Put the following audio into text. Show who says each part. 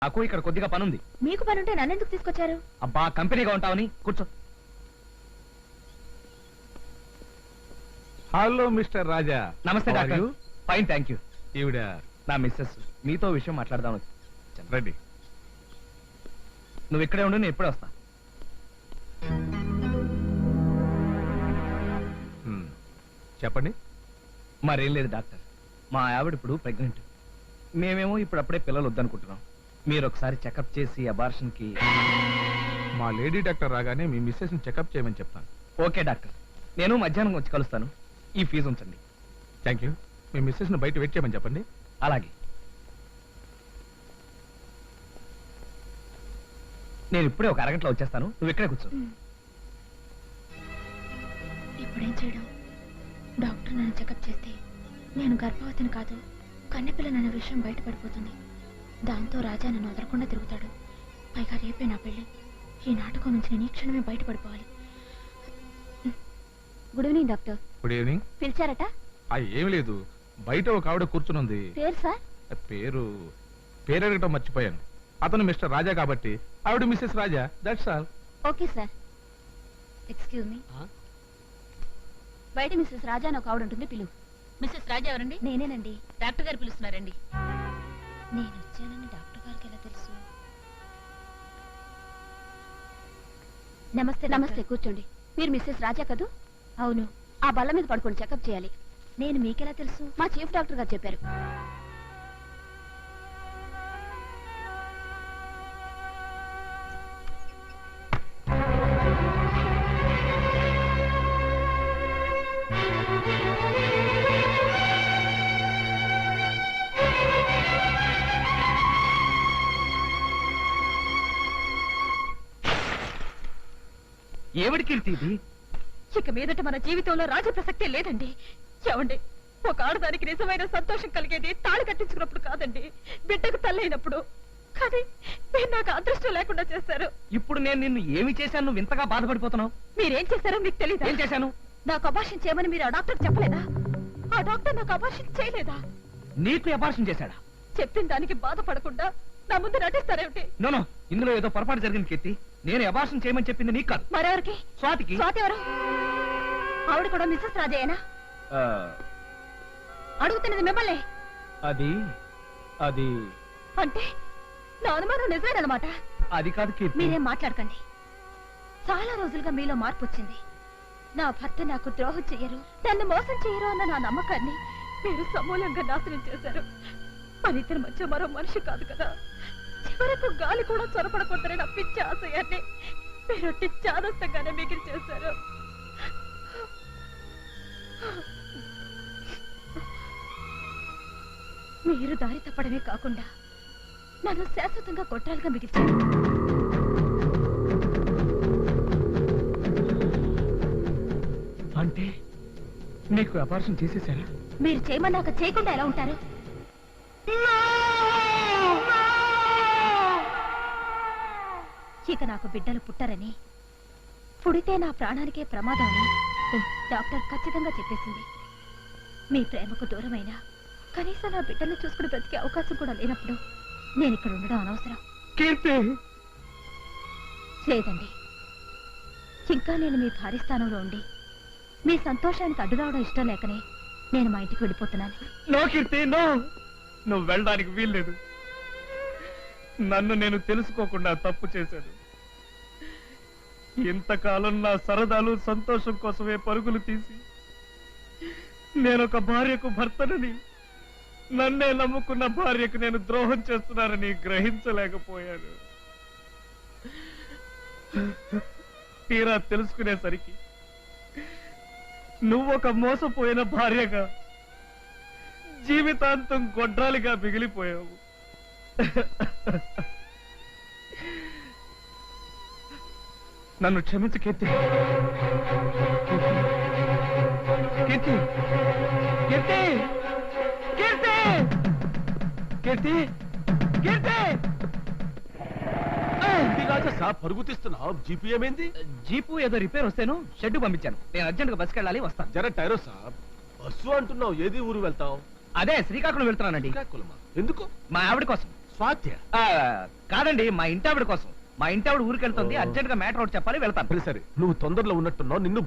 Speaker 1: నాకు ఇక్కడ కొద్దిగా పనుంది.
Speaker 2: మీకు పనుంటే నన్నెందుకు తీసుకొచ్చారు?
Speaker 1: అబ్బా, కంపెనీగా ఉంటావని. కూర్చో.
Speaker 3: Hello mister Raja.
Speaker 1: నమస్తే డాక్టర్. Fine, thank you.
Speaker 3: ఈవిడ
Speaker 1: నా మిస్సెస్. మీతో విషయం మాట్లాడదాం.
Speaker 3: రండి.
Speaker 1: నువ్వు ఇక్కడే ఉండు, నేను ఇప్పుడే వస్తా.
Speaker 3: చెప్పండి.
Speaker 1: మరేం లేదు డాక్టర్, మా ఆవిడ ఇప్పుడు ప్రెగ్నెంట్. మేమేమో ఇప్పుడప్పుడే పిల్లలు వద్దనుకుంటున్నాం. మీరు ఒకసారి చెకప్ చేసి అబార్షన్ కి.
Speaker 3: మా లేడీ డాక్టర్ రాగానే మీ మిస్సెస్ ని చెకప్ చేయమని చెప్తాను.
Speaker 1: ఓకే డాక్టర్, నేను మధ్యాహ్నం వచ్చి కలుస్తాను. ఈ ఫీజు ఉంచండి.
Speaker 3: Thank you. మీ మిస్సెస్ ని బయట వెయిట్ చేయమని చెప్పండి.
Speaker 1: అలాగే. నేను ఇప్పుడే ఒక అరగంటలో వచ్చేస్తాను. నువ్వు ఇక్కడే కూర్చో.
Speaker 2: ఇప్పుడేం చేయడం? డాక్టర్ నన్ను చెకప్ చేస్తే నేను గర్భవతిని కాదు, కన్నెపిల్లనన్న విషయం బయటపడిపోతుంది. దాంతో రాజా నన్ను వదలకుండా తిరుగుతాడు. పైగా రేపే నా పెళ్లి. ఈ నాటకం నుంచి నేను ఈ క్షణమే బయటపడిపోవాలి. Good evening doctor.
Speaker 3: Good evening.
Speaker 2: పిలిచారట?
Speaker 3: ఏం లేదు, బయట ఒక ఆవిడ కూర్చునుంది.
Speaker 2: పేరు సార్?
Speaker 3: పేరు అడగటం మర్చిపోయాను. అతను మిస్టర్ రాజా కాబట్టి ఆవిడ missus Raja. That's all.
Speaker 2: Okay sir. Excuse me. బయట మిస్సెస్ రాజా అని ఒక ఆవిడ ఉంటుంది, పిలువు.
Speaker 4: మిస్సెస్ రాజా ఎవరండి?
Speaker 2: నేనేనండి.
Speaker 4: డాక్టర్ గారు పిలుస్తున్నారండి.
Speaker 2: నేను వచ్చానని డాక్టర్ గారికి ఎలా తెలుసు? నమస్తే. నమస్తే, కూర్చోండి. మీరు మిస్సెస్ రాజా కదూ? అవును. ఆ బల్ల మీద పడుకొని చెకప్ చేయాలి. నేను మీకెలా తెలుసు? మా చీఫ్ డాక్టర్ గారు చెప్పారు.
Speaker 1: ఏమిటి కీర్తి ఇది?
Speaker 4: ఇక మీదట మన జీవితంలో రాజ ప్రసక్తే లేదండి. ఏమండి, ఒక ఆడదానికి నిజమైన సంతోషం కలిగేది తాళి కట్టించుకున్నప్పుడు కాదండి, బిడ్డకు తల్లైనప్పుడు. కానీ మీరు నాకు అదృష్టం లేకుండా చేశారు.
Speaker 1: ఇప్పుడు నేను నిన్ను ఏమి చేశాను నువ్వు ఇంతగా బాధపడిపోతున్నావు?
Speaker 4: మీరేం చేశారో మీకు తెలియదు.
Speaker 1: ఏం చేశాను?
Speaker 4: నాకు అబార్షన్ చేయమని మీరు ఆ డాక్టర్ చెప్పలేదా? ఆ డాక్టర్ నాకు అబార్షన్ చేయలేదా?
Speaker 1: నీకు అబార్షన్ చేశాడా?
Speaker 4: చెప్పిన దానికి బాధపడకుండా నా ముందు నటిస్తారేమిటి?
Speaker 1: నో, ఇందులో ఏదో పొరపాటు జరిగింది కీర్తి. నేను అబార్షన్ చేయమని చెప్పింది నీకు కాదు,
Speaker 4: మరెవరికి?
Speaker 1: స్వాతికి.
Speaker 4: స్వాతి ఎవరు? ఆవిడ కూడా మిస్సెస్ రాజేనా? అడుగుతున్నది మిమ్మల్ని.
Speaker 1: అది అది
Speaker 4: అంటే నా అనుమానం నిజమేనమాట.
Speaker 1: అది కాదు కీర్తి.
Speaker 4: మీరేం మాట్లాడకండి. చాలా రోజులుగా మీలో మార్పు వచ్చింది. నా భర్త నాకు ద్రోహం చెయ్యరు, నన్ను మోసం చెయ్యరు అన్న నా నమ్మకాన్ని మీరు సమూలంగా నాశనం చేశారు. మన ఇద్దరి మధ్య మరో మనిషి కాదు కదా. చివరకు గాలి కూడా చొరపడకూడదని నా పిచ్చి ఆశయాన్ని మీరు చాదస్తంగానే మిగిలి చేశారు. మీరు దారి తప్పడమే కాకుండా నన్ను శాశ్వతంగా కొట్టాలుగా మిగిల్చారు.
Speaker 1: అంటే నీకు అబార్షన్ చేసేసారా?
Speaker 4: మీరు చేయమన్నాక చేయకుండా ఎలా ఉంటారు? ఇక నాకు బిడ్డలు పుట్టరని, పుడితే నా ప్రాణానికే ప్రమాదం అని డాక్టర్ ఖచ్చితంగా చెప్పేసింది. మీ ప్రేమకు దూరమైనా కనీసం నా బిడ్డల్ని చూసుకుని బ్రతికే అవకాశం కూడా లేనప్పుడు నేను ఇక్కడ ఉండడం అనవసరం. లేదండి, ఇంకా నేను మీ భార్య స్థానంలో ఉండి మీ సంతోషానికి అడ్డు రావడం ఇష్టం లేకనే నేను మా ఇంటికి వెళ్ళిపోతున్నాను.
Speaker 1: No Keerthi, no. నువ్వు వెళ్ళడానికి వీల్లేదు. నన్ను నేను తెలుసుకోకుండా తప్పు చేశాను. ఇంతకాలం నా సరదాలు సంతోషం కోసమే పరుగులు తీసి నేనొక భార్యకు భర్తనని, నన్నే నమ్ముకున్న భార్యకు నేను ద్రోహం చేస్తున్నానని గ్రహించలేకపోయాను. తీరా తెలుసుకునేసరికి నువ్వొక మోసపోయిన భార్యగా జీవితాంతం గొడ్రాలిగా మిగిలిపోయావు. నన్ను క్షమించు కీర్తి. కీర్తి, కీర్తి, కీర్తి, కీర్తి, కీర్తి.
Speaker 5: పరుగు తీస్తున్నావు. జీపీ ఏమైంది?
Speaker 1: జీపు ఏదో రిపేర్ వస్తేను షెడ్ పంపించాను. నేను అర్జెంట్ గా బస్కి వెళ్ళాలి, వస్తాను.
Speaker 5: జర టైరో సాబ్. బస్సు అంటున్నావు, ఏది ఊరు వెళ్తావు?
Speaker 1: అదే శ్రీకాకుళం వెళ్తున్నానండి.
Speaker 5: శ్రీకాకుళమా? ఎందుకు?
Speaker 1: మా ఆవిడ కోసం.
Speaker 5: స్వాత్య
Speaker 1: ఆ, కాదండి మా ఇంటావిడ కోసం. మా ఇంటావిడ ఊరికి వెళ్తుంది,
Speaker 5: ఓ.
Speaker 1: అర్జెంట్ గా మ్యాటర్ ఒకటి చెప్పాలి, వెళ్తాను.
Speaker 5: సరే సరే నువ్వు తొందరలో ఉన్నట్టున్నావు, నిన్ను